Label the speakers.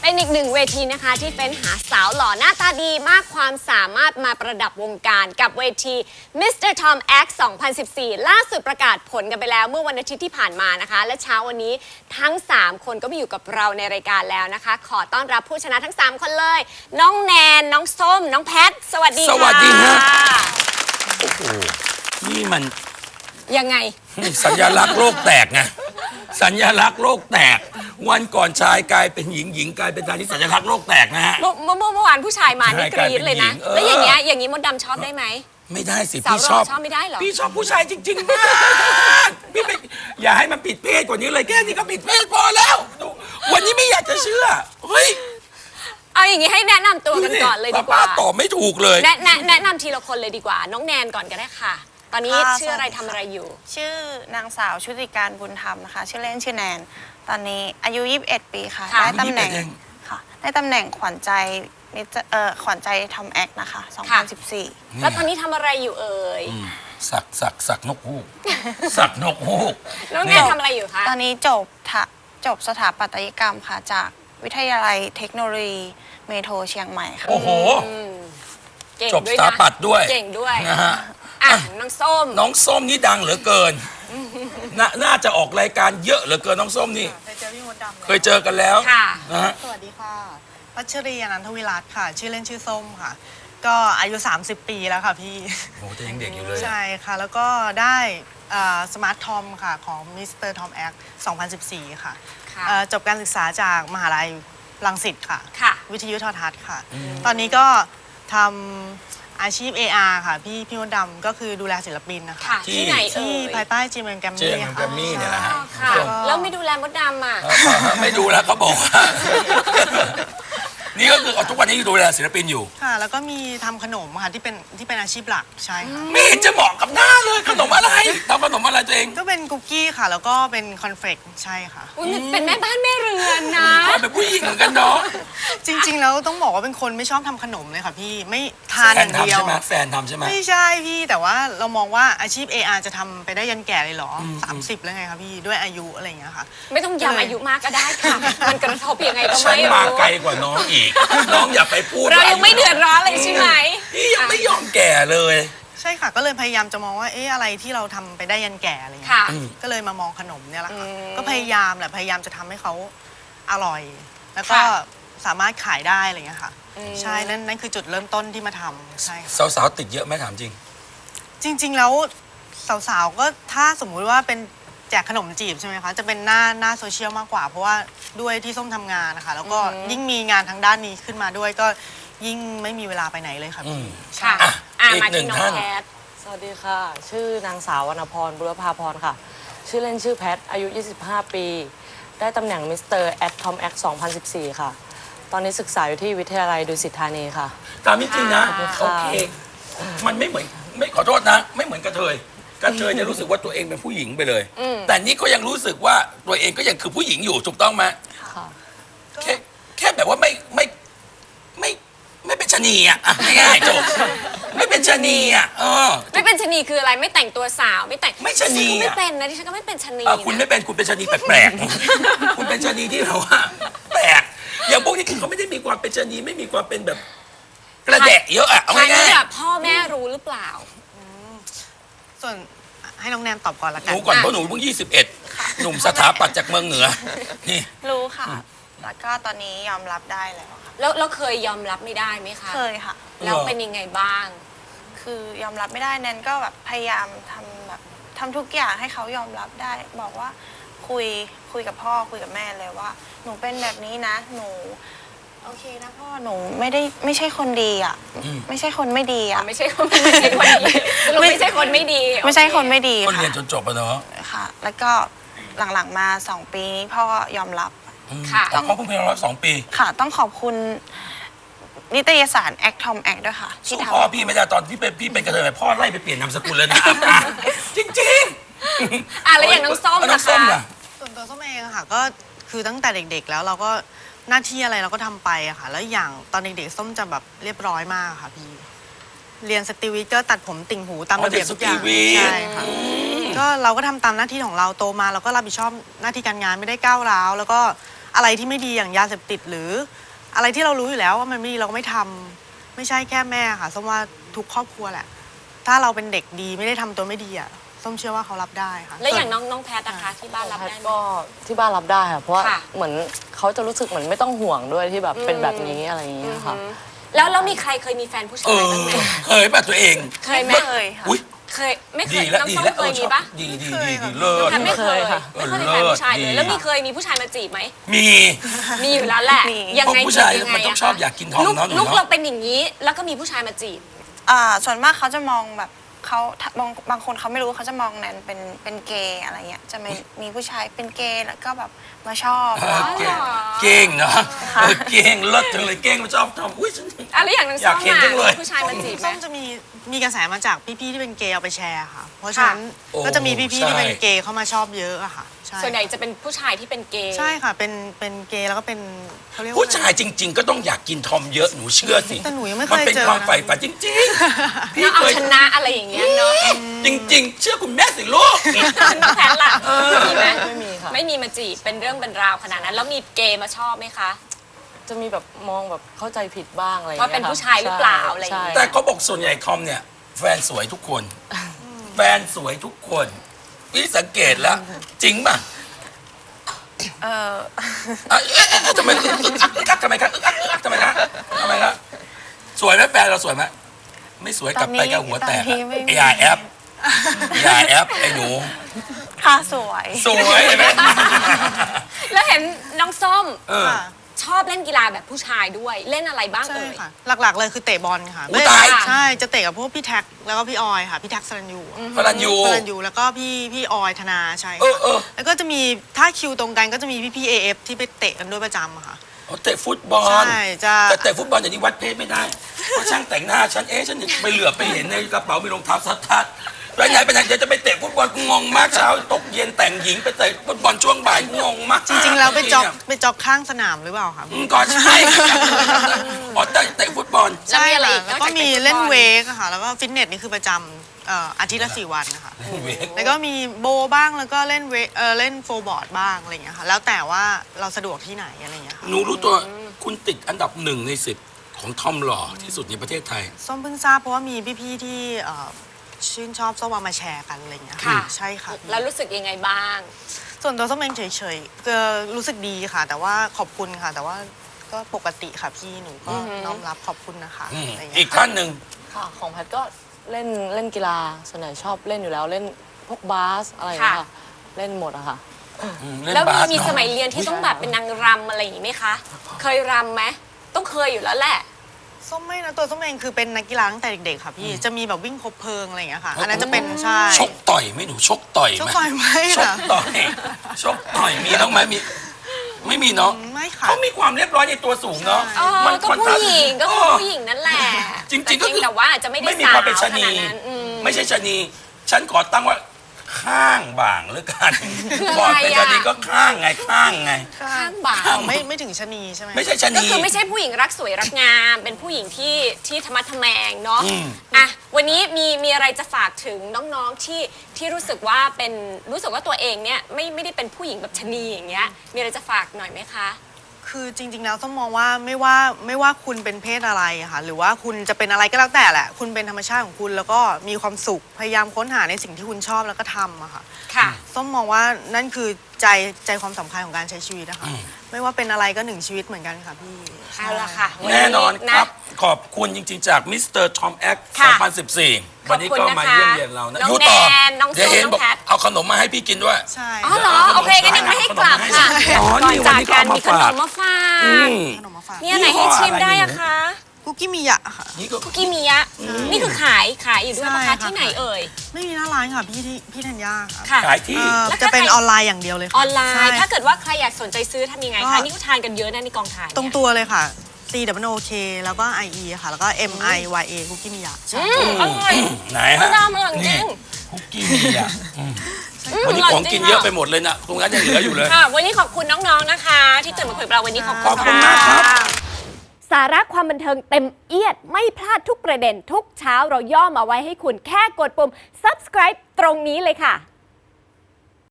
Speaker 1: เป็นอีกหนึ่งเวทีนะคะที่เฟ้นหาสาวหล่อหน้าตาดีมากความสามารถมาประดับวงการกับเวที Mr. Tom X 2014 ล่าสุดประกาศผลกันไปแล้วเมื่อวันอาทิตย์ที่ผ่านมานะคะและเช้าวันนี้ทั้ง3คนก็มาอยู่กับเราในรายการแล้วนะคะขอต้อนรับผู้ชนะทั้ง3คนเลยน้องแนนน้องส้มน้องแพทสวัสดีค่ะ
Speaker 2: สวัสดีฮะโอ้โหนี่มัน
Speaker 1: ยังไง
Speaker 2: สัญลักษณ์โลกแตกไงสัญลักษณ์โลกแตกวันก่อนชายกลายเป็นหญิงหญิงกลายเป็นชายที่สัญลักษณ์โลกแตกนะฮะ
Speaker 1: เมื่อวานผู้ชายมานี่กรี๊ดเลยนะแล้วอย่างนี้มดดำชอบได้ไหม
Speaker 2: ไม่ได้สิ
Speaker 1: สาว
Speaker 2: พี่
Speaker 1: ห
Speaker 2: ช
Speaker 1: ล่
Speaker 2: อ
Speaker 1: อบ ชอบไม่ได้เหรอ
Speaker 2: พี่ชอบผู้ชายจริงๆมากพี่ไม่อย่าให้มันผิดเพศกว่านี้เลยแค่นี้ก็ผิดเพศพอแล้ววันนี้ไม่อยากจะเชื่อเฮ้ย
Speaker 1: เอาอย่างนี้ให้แนะนำตัวกันก่อนเลยดีกว่า
Speaker 2: ป้าตอบไม่ถูกเลย
Speaker 1: แนะนำทีละคนเลยดีกว่าน้องแนนก่อนก็ได้ค่ะตอนนี้ชื่ออะไรทำอะไรอยู่
Speaker 3: ชื่อนางสาวชุติการบุญธรรมนะคะชื่อเล่นชื่อแนนตอนนี้อายุ21 ปีค่ะได้ตำแหน่งค่ะได้ตำแหน่งขวัญใจขวัญใจทอมแอคนะคะ2014
Speaker 1: แล้วตอนนี้ทำอะไรอยู่เอ่ย
Speaker 2: สักนกฮูกสักนกฮูก
Speaker 1: น้องแนนทำอะไรอยู่คะ
Speaker 3: ตอนนี้จบสถาปัตยกรรมค่ะจากวิทยาลัยเทคโนโลยีเมโทรเชียงใหม่ค่ะ
Speaker 2: โอ้โห
Speaker 1: จ
Speaker 2: บสถาปัตย์ด้วย
Speaker 1: เก่งด้วย
Speaker 2: นะฮะ
Speaker 1: น้องส้ม
Speaker 2: นี่ดังเหลือเกินน่าจะออกรายการเยอะเหลือเกินน้องส้มนี่
Speaker 3: เคยเจอพี่มดดำ
Speaker 2: เคยเจอกันแล้วนะฮะ
Speaker 4: สวัสดีค่ะพัชรีอนันทวิรัตน์ค่ะชื่อเล่นชื่อส้มค่ะก็อายุ30 ปีแล้วค่ะพี่
Speaker 2: โอ้แต่ยังเด็กอยู่เลย
Speaker 4: ใช่ค่ะแล้วก็ได้สมาร์ททอมค่ะของมิสเตอร์ทอมแอค2014ค่ะจบการศึกษาจากมหาลัยรังสิตค่ะวิทยุโทรทัศน์ค่ะตอนนี้ก็ทำอาชีพ AR ค่ะพี่มดดำก็คือดูแลศิลปินนะคะ
Speaker 1: ที่ไหน
Speaker 4: ที่ภายใต้จีเอ็มแกรมมี่
Speaker 2: ค่ะเนี่ยแหละฮะ
Speaker 1: แล้วไม่ดูแลมดดำอ่ะ
Speaker 2: ไม่ดูแล้วเขาบอกว่านี่ก็คือทุกวันนี้ดูแลศิลปินอยู่
Speaker 4: ค่ะแล้วก็มีทำขนมค่ะที่เป็นอาชีพหลักใช่ค่ะ
Speaker 2: ไม่เห็นจะเหมาะกับหน้าเลยขนมอะไรทำขนมอะไรตัวเอง
Speaker 4: ก็เป็นคุกกี้ค่ะแล้วก็เป็นคอนเฟลกใช่ค่ะ
Speaker 1: เป็นแม่บ้านแม่เรือนนะ
Speaker 2: เป็นผู้หญิงเหมือนกันเนาะ
Speaker 4: จริงๆแล้วต้องบอกว่าเป็นคนไม่ชอบทำขนมเลยค่ะพี่ไม่ทานอย่างเดียว
Speaker 2: แฟนทำใช่ไหม
Speaker 4: ไม่ใช่พี่แต่ว่าเรามองว่าอาชีพ AR จะทำไปได้ยันแก่เลยเหรอ30แล้วไงคะพี่ด้วยอายุอะไรอย่างเงี้ยค่ะ
Speaker 1: ไม่ต้องย้ำอายุมากก็ได้ค่ะมันกระทบยังไงก็ไม่รู้
Speaker 2: ฉันมาไกลกว่าน้องอีกน้องอย่าไปพูด
Speaker 1: เรายังไม่เดือดร้อนเลยใช่ไหม
Speaker 2: พี่ยังไม่ยอมแก่เลย
Speaker 4: ใช่ค่ะก็เลยพยายามจะมองว่าอะไรที่เราทำไปได้ยันแก่อะไรอย่างเงี้ยก็เลยมามองขนมเนี่ยแหละค่ะก็พยายามจะทำให้เขาอร่อยแล้วก็สามารถขายได้อะไรอย่างเงี้ยค่ะใช่นั่นคือจุดเริ่มต้นที่มาทำใช่
Speaker 2: สาวๆติดเยอะไหมถามจริง
Speaker 4: จริงๆแล้วสาวๆก็ถ้าสมมุติว่าเป็นแจกขนมจีบใช่ไหมคะจะเป็นหน้าโซเชียลมากกว่าเพราะว่าด้วยที่ส้มทำงานนะคะแล้วก็ยิ่งมีงานทางด้านนี้ขึ้นมาด้วยก็ยิ่งไม่มีเวลาไปไหนเลยค่ะพี่
Speaker 1: ค่ะ
Speaker 2: อีกหนึ่งท่าน
Speaker 5: สวัสดีค่ะชื่อนางสาววรรณพรบุรพาพรค่ะชื่อเล่นชื่อแพทอายุ25 ปีได้ตำแหน่งมิสเตอร์แอดทอมแอค2014ค่ะตอนนี้ศึกษาอยู่ที่วิทยาลัยดุสิตธานีค่ะ
Speaker 2: ตามจริงนะโอเคมันไม่เหมือนไม่ขอโทษนะไม่เหมือนกระเทยจะรู้สึกว่าตัวเองเป็นผู้หญิงไปเลยแต่นี่ก็ยังรู้สึกว่าตัวเองก็ยังคือผู้หญิงอยู่ถูกต้องไหมแค่แบบว่าไม่เป็นชะนีอ่ะง่ายๆจบไม่เป็นชะนีอ่ะ
Speaker 1: ไม่เป็นชะนีคืออะไรไม่แต่งตัวสาวไม่
Speaker 2: ชะนี
Speaker 1: ไม่เป็นนะที่ฉันก็ไม่เป็นชะนี
Speaker 2: คุณไม่เป็นคุณเป็นชะนีแปลกๆคุณเป็นชะนีที่เราว่าแปลกอย่างพวกนี้คือเขาไม่ได้มีความเป็นชะนีไม่มีความเป็นแบบกระแดะเยอะอ่ะเอาง่าย
Speaker 1: ๆพ่อแม่รู้หรือเปล่า
Speaker 4: ส่วนให้น้องแนนตอบก่อนละกัน
Speaker 2: หนูก่อนเพราะหนูเพิ่ง21หนุ่มสถาปัตย์จากเมืองเหนือนี่
Speaker 3: รู้ค่ะแล้วก็ตอนนี้ยอมรับได้แล้วค่ะ
Speaker 1: แล้วเคยยอมรับไม่ได้ไหมคะ
Speaker 3: เคยค่ะ
Speaker 1: แล้วเป็นยังไงบ้าง
Speaker 3: คือยอมรับไม่ได้แนนก็แบบพยายามทำทุกอย่างให้เขายอมรับได้บอกว่าคุยกับพ่อคุยกับแม่เลยว่าหนูเป็นแบบนี้นะหนูโอเคนะพ่อหนูไม่ใช่คนดีอ่ะไม่ใช่คนไม่ดีอ่ะ
Speaker 1: ไม่ใช่คนดีไม่ใช่คนไม่ดีไม่ใช่คนไม่ดี
Speaker 2: คนเรียนจนจบอะเนาะ
Speaker 3: ค่ะแล้วก็หลังๆมา2 ปีนี้พ่อยอมรับ
Speaker 2: ค่ะเขาเพิ่งเป็นรับ2 ปี
Speaker 3: ค่ะต้องขอบคุณนิตยสารแอคทอมแอคด้วยค่ะ
Speaker 2: ที่ทำพ่อพี่ไม่ได้ตอนที่พี่เป็นกระเทยพ่อไล่ไปเปลี่ยนนามสกุลเลยนะจริง
Speaker 1: ๆแล้วอย่างน้องส้มนะคะ
Speaker 4: ส่วนตัวส้มเองค่ะก็คือตั้งแต่เด็กๆแล้วเราก็หน้าที่อะไรเราก็ทำไปอะค่ะแล้วอย่างตอนเด็กๆส้มจะแบบเรียบร้อยมากค่ะพี่เรียนสตรีวิทย์ก็ตัดผมติ่งหูตามระเบียบทุกอย่างใช่ค่ะก็เราก็ทำตามหน้าที่ของเราโตมาเราก็รับผิดชอบหน้าที่การงานไม่ได้ก้าวร้าวแล้วก็อะไรที่ไม่ดีอย่างยาเสพติดหรืออะไรที่เรารู้อยู่แล้วว่ามันไม่ดีเราก็ไม่ทำไม่ใช่แค่แม่ค่ะส้มว่าทุกครอบครัวแหละ ถ้าเราเป็นเด็กดีไม่ได้ทำตัวไม่ดีอ่ะส้มเชื่อว่าเขารับได้ค่ะ
Speaker 1: แล้วอย่างน้องแพทนะคะที่บ้านรับ
Speaker 5: แพท
Speaker 1: ได้ไหม
Speaker 5: ก็ที่บ้านรับได้ค่ะเพราะว่า
Speaker 1: ค่ะ
Speaker 5: เหมือนเขาจะรู้สึกเหมือนไม่ต้องห่วงด้วยที่แบบเป็นแบบนี้อะไรอย่างเงี้ยค่ะ
Speaker 1: แล้วมีใครเคยมีแฟนผู้ชายบ้างไหม
Speaker 2: เคยป่ะตัวเอง
Speaker 1: เคยไหม
Speaker 3: ไม่เคยค่ะ
Speaker 2: อุ้ย
Speaker 1: เคยไม่เค
Speaker 2: ดี
Speaker 1: ย
Speaker 2: แล้ว
Speaker 1: น้อง
Speaker 2: ดี
Speaker 1: ส้ม
Speaker 2: แล้ว
Speaker 1: เคยมีปะ
Speaker 2: ดีเลิศ
Speaker 1: แพทไม่เคย
Speaker 5: ไม่เคยค่ะ
Speaker 1: ไม่เคยมีแฟนผู้ชายเล
Speaker 2: ดี
Speaker 1: ยแล้วมีเคยมีผู้ชายมาจีบไหม
Speaker 2: มี
Speaker 1: มีอยู่แล้วแหละ
Speaker 3: มี
Speaker 1: ยังไง
Speaker 2: พวกผู้ชาย
Speaker 1: จีบยังไง
Speaker 2: มันต้องชอบอยากกินทอง
Speaker 1: ลูก
Speaker 2: เนอะหนู
Speaker 1: ลูก
Speaker 2: เนอะ
Speaker 1: เราเป็นอย่างนี้ แล้วก็มีผู้ชายมาจีบ
Speaker 3: ส่วนมากเขาจะมองแบบเขาบางคนเขาไม่รู้เขาจะมองแนนเป็นเกย์อะไรเงี้ยจะมีผู้ชายเป็นเกย์แล้วก็แบบมาชอบ
Speaker 2: เก่งเนาะเก่งเลิศจังเลยเก่งมันชอบทำอุ้ยฉัน
Speaker 1: อะไรอย่างนั้น
Speaker 2: อยากเห็นจังเลย
Speaker 1: ผู้ชายมาจีบไหม
Speaker 4: ส้มจะมีกระแสมาจากพี่ๆที่เป็นเกย์เอาไปแชร์ค่ะ เพราะฉะนั้น
Speaker 2: โอ้
Speaker 4: ก็จะมีพี่ๆที่เป็น
Speaker 2: ใช่
Speaker 4: เกย์เข้ามาชอบเยอะอะค่ะใช่
Speaker 1: ส่วนใหญ่จะเป็นผู้ชายที่เป็นเกย์
Speaker 4: ใช่ค่ะเป็นเกย์แล้วก็เป็นเขาเรียกว่า
Speaker 2: ผู้ชายจริง ๆ ก็ต้องอยากกินทอมเยอะหนูเชื่อสิ
Speaker 4: แต่หนูยังไม่เค
Speaker 2: มัน
Speaker 4: ย
Speaker 2: เป็น
Speaker 4: เจอ
Speaker 2: ความ
Speaker 4: นะ
Speaker 2: ใฝ่ฝันจริงๆพี่
Speaker 1: แล้ว
Speaker 2: เค
Speaker 1: เอา
Speaker 2: ย
Speaker 1: ชนะอะไรอย่างเงี้ยเนาะ
Speaker 2: จริง ๆ เชื่อคุณแม่สิลูก
Speaker 1: น้องแพทล่ะมีไหม
Speaker 5: ไม่มีค่ะ
Speaker 1: ไม่มีมาจีบเป็นเรื่องเป็นราวขนาดนั้น แล้วมีเกย์มาชอบไหมคะ
Speaker 5: จะมีแบบมองแบบเข้าใจผิดบ้างอะไรอย่าง
Speaker 1: ว่า
Speaker 5: เงี้ย
Speaker 1: เป็น
Speaker 5: ค่ะ
Speaker 1: ผู้ชายหรือเปล่าอะไรอย่างเงี้ย
Speaker 5: ใช่
Speaker 2: แต่เขาบอกส่วนใหญ่ทอมเนี่ย แฟนสวยทุกคน แฟนสวยทุกคนพี่สังเกตแล้ว จริงป่ะ
Speaker 3: เออ
Speaker 2: ทำไมทำไมครับทำไมครับสวยไหมแฟนเราสวยไหมไม่สวยกลับไปกับหัวแตก
Speaker 3: ตอนนี้ไม่มี
Speaker 2: อย่าแอปอย่าแอปไอ้หนู
Speaker 3: ค่ะสวย
Speaker 2: สวยเห็นไหม
Speaker 1: แล้วเห็นน้องส้ม
Speaker 2: เออ
Speaker 4: ค่ะ
Speaker 1: ชอบเล่นกีฬาแบบผู้ชายด้วยเล่นอะไรบ้าง
Speaker 4: ใช่
Speaker 1: เอ่ย
Speaker 4: ค่ะ หลักๆเลยคือเตะบอลค่ะ
Speaker 2: อุ๊ยตาย
Speaker 4: ใช่จะเตะกับพวกพี่แท็กแล้วก็พี่ออยค่ะพี่แท็กสรัญยู
Speaker 2: ฟรัญยู
Speaker 4: สรัญยูแล้วก็พี่ออยธนาใช่
Speaker 2: เอ
Speaker 4: ค่ะ
Speaker 2: อ
Speaker 4: แล้วก็จะมีถ้าคิวตรงกันก็จะมีพี่AF ที่ไปเตะกันด้วยประจำอะค่ะ
Speaker 2: เอาเตะฟุตบอล
Speaker 4: ใช่จะ
Speaker 2: แต่เตะฟุตบอลอย่างนี้วัดเพศไม่ได้เพราะช่างแต่งหน้าฉันฉันไปเหลือบไปเห็นในกระเป๋ามีรองเท้าซัดทัดไปไหนเดี๋ยวจะไปเตะฟุตบอลกูงงมากเช้าตกเย็นแต่งหญิงไปเตะฟุตบอลช่วงบ่ายงงมาก
Speaker 4: จริงๆแล้วไปจ็อกข้างสนามหรือเปล่าคะ
Speaker 2: ก็ใช่อ๋อเตะฟุตบอล
Speaker 1: แล้วมีอะไรอีก
Speaker 4: แล้ว
Speaker 1: น
Speaker 4: ก็
Speaker 1: อกจาก
Speaker 4: มี
Speaker 1: เตะฟุตบอล
Speaker 4: เล่นเวกอะค่ะแล้วก็ฟิตเนสนี่คือประจำอาทิตย์ละ4 วันนะคะ
Speaker 2: เวก
Speaker 4: แล้วก็มีโบว์บ้างแล้วก็เล่นเล่นโฟร์บอร์ดบ้างอะไรอย่างเงี้ยค่ะแล้วแต่ว่าเราสะดวกที่ไหนอะไรอย่างเงี้ยค่ะ
Speaker 2: หนูรู้ตัวคุณติดอันดับ1 ใน 10ของทอมหล่อที่สุดในประเทศไทย
Speaker 4: ส้มเพิ่งทราบเพราะว่ามีพี่ๆที่ชื่นชอบส้มเอามาแชร์กันอะไรอย่างเงี้ย
Speaker 1: ค่ะ
Speaker 4: ใช่ค่ะ
Speaker 1: แล้วรู้สึกยังไงบ้าง
Speaker 4: ส่วนตัวส้มเองเฉยๆก็รู้สึกดีค่ะ แต่ว่าขอบคุณค่ะ แต่ว่าก็ปกติค่ะพี่หนูก็น้อมรับขอบคุณนะคะอะไรอย่าง
Speaker 2: อี
Speaker 4: เงี้
Speaker 2: ก
Speaker 4: ย
Speaker 2: ท่านหนึ่ง
Speaker 5: ค่ะของแพทก็เล่นกีฬาส่วนใหญ่ชอบเล่นอยู่แล้วเล่นพวกบาสอะไรอย่างเงี้ย
Speaker 1: ค่ะ
Speaker 5: ค่ะเล่นหมดอะค่ะ
Speaker 2: เล่น
Speaker 1: แล้ว
Speaker 2: บาส
Speaker 1: มี
Speaker 2: เนอะ
Speaker 1: สมัยเรียนที่ต้องแบบเป็นนางรำอะไรอย่างนี้ไหมคะ เคยรำไหมต้องเคยอยู่แล้วแหละ
Speaker 4: ส้มไม่นะตัวส้มเองคือเป็นนักกีฬาตั้งแต่เด็กๆค่ะพี่จะมีแบบวิ่งคบเพลิงอะไรอย่างเงี้ยค่ะ อันนั้นจะเป็นใช่
Speaker 2: ชกต่อยไหมหนูชกต่อย
Speaker 4: ชก
Speaker 2: ไหม
Speaker 4: ต่อยไหม
Speaker 2: ชก
Speaker 4: ค่ะ
Speaker 2: ต่อยชกต่อยมีน้องไหมมีไม่มีเนาะ
Speaker 4: ไม่ค่ะ
Speaker 2: เขามีความเรียบร้อยในตัวสูงเนาะ
Speaker 1: เออก็ผู้หญิงก็คือผู้หญิงนั่นแหละ
Speaker 2: จริงๆก็คือ
Speaker 1: แต่ว่าอาจจะไม่ได้
Speaker 2: ไม่มี
Speaker 1: สา
Speaker 2: ความ วเป็นชะ
Speaker 1: ข
Speaker 2: นี
Speaker 1: นาดนั้นอืม
Speaker 2: ไม่ใช่ชะนี ฉันขอตั้งว่าข้างบ่างหรือกัน
Speaker 1: คืออะไร
Speaker 2: ก่อนเป็นชะนี
Speaker 1: อะ
Speaker 2: ก็ข้างไงข้างไง
Speaker 1: ข้างบ่า
Speaker 4: อ๋อไม่ถึงชะนีใช่ไหม
Speaker 2: ไม่ใช่ชะ
Speaker 1: ก็
Speaker 2: นี
Speaker 1: คือไม่ใช่ผู้หญิงรักสวยรักงาม เป็นผู้หญิงที่ธรรมะทแมงเนาะ
Speaker 2: อืม
Speaker 1: อ่ะวันนี้มีอะไรจะฝากถึงน้องๆที่รู้สึกว่าตัวเองเนี่ยไม่ได้เป็นผู้หญิงแบบชะนีอย่างเงี้ยมีอะไรจะฝากหน่อยไหมคะ
Speaker 4: คือจริงๆแล้วต้องมองว่าไม่ว่าคุณเป็นเพศอะไรอะค่ะหรือว่าคุณจะเป็นอะไรก็แล้วแต่แหละ คุณเป็นธรรมชาติของคุณแล้วก็มีความสุขพยายามค้นหาในสิ่งที่คุณชอบแล้วก็ทำอะค่ะ
Speaker 1: ค่ะ
Speaker 4: ส้มมองว่านั่นคือใจความสำคัญของการใช้ชีวิตนะคะไม่ว่าเป็นอะไรก็1 ชีวิตเหมือนกันค่ะพี่
Speaker 1: เอาละค่ะ
Speaker 2: แน่นอน
Speaker 1: วั
Speaker 2: ครับ ขอบคุณจริงๆ จากมิสเตอร์ทอมแอค
Speaker 1: ค่ะ
Speaker 2: 2014 วันนี้ก็มาเยี่ยมเยียนเรานะ
Speaker 1: น้อง
Speaker 2: ยู่ต่
Speaker 1: แนนน้อง
Speaker 2: เดี๋ยว
Speaker 1: ส้ม
Speaker 2: เห็น
Speaker 1: น้อง
Speaker 2: บอก
Speaker 1: แพท
Speaker 2: เอาขนมมาให้พี่กินด้วย
Speaker 4: ใช่
Speaker 1: อ๋อเหรอโอเคงั้นยังไม่ให้กลับค่ะ
Speaker 2: อ๋อ
Speaker 1: ก่อน
Speaker 2: นี่วัน
Speaker 1: จาก
Speaker 2: นี้ก็
Speaker 1: กัน
Speaker 2: เอามา
Speaker 1: มีขน
Speaker 2: ฝาก
Speaker 1: มมาฝาก
Speaker 2: อืม
Speaker 4: ขนมมาฝาก
Speaker 1: เนี่ยไหนให้ชิมได้อะคะ
Speaker 4: คุกกี้มิยะค่ะ
Speaker 2: นี่ก็
Speaker 1: คุกกี้มิยะนี่คือขายอยู่ด้วยปะ
Speaker 4: ใช่
Speaker 1: คะ
Speaker 4: ค่ะ
Speaker 1: ที่ไหนเอ่ย
Speaker 4: ไม่มีหน้าร้านค่ะพี่ธัญญาค่ะ
Speaker 1: ค่ะ
Speaker 2: ขายที่
Speaker 1: แล้ว
Speaker 4: จะเป็น
Speaker 1: ถ้าใคร
Speaker 4: ออนไลน์อย่างเดียวเลยค่ะ
Speaker 1: ออนไล
Speaker 4: ใช่
Speaker 1: น์ ถ้าเกิดว่าใครอยากสนใจซื้อทำยังไง
Speaker 4: ก็
Speaker 1: คะนี่ก็ทานกันเยอะนะในกองถ่ายเนี่ย
Speaker 4: ตรงตัวเลยค่ะ CWOK แล้วก็ IE ค่ะ แล้วก็ MIYA คุกกี้มิยะใช่
Speaker 1: อร่อย
Speaker 2: ไหน
Speaker 1: มะ
Speaker 2: ฮะ
Speaker 1: นาวอร่อยจริง
Speaker 2: คุกกี้มีอ่ะวันนี้ของกินเยอะไปหมดเลยนะตรงนั้นยังเหลืออยู่เลย
Speaker 1: ค่ะ วันนี้ขอบคุณน้องๆนะคะ ที่ตื่นมาคุยกับเราวันนี้ขอบคุณ
Speaker 2: ขอบคุณมากครับ
Speaker 1: สาระความบันเทิงเต็มเอียดไม่พลาดทุกประเด็นทุกเช้าเราย่อมาไว้ให้คุณแค่กดปุ่ม subscribe ตรงนี้เลยค่ะ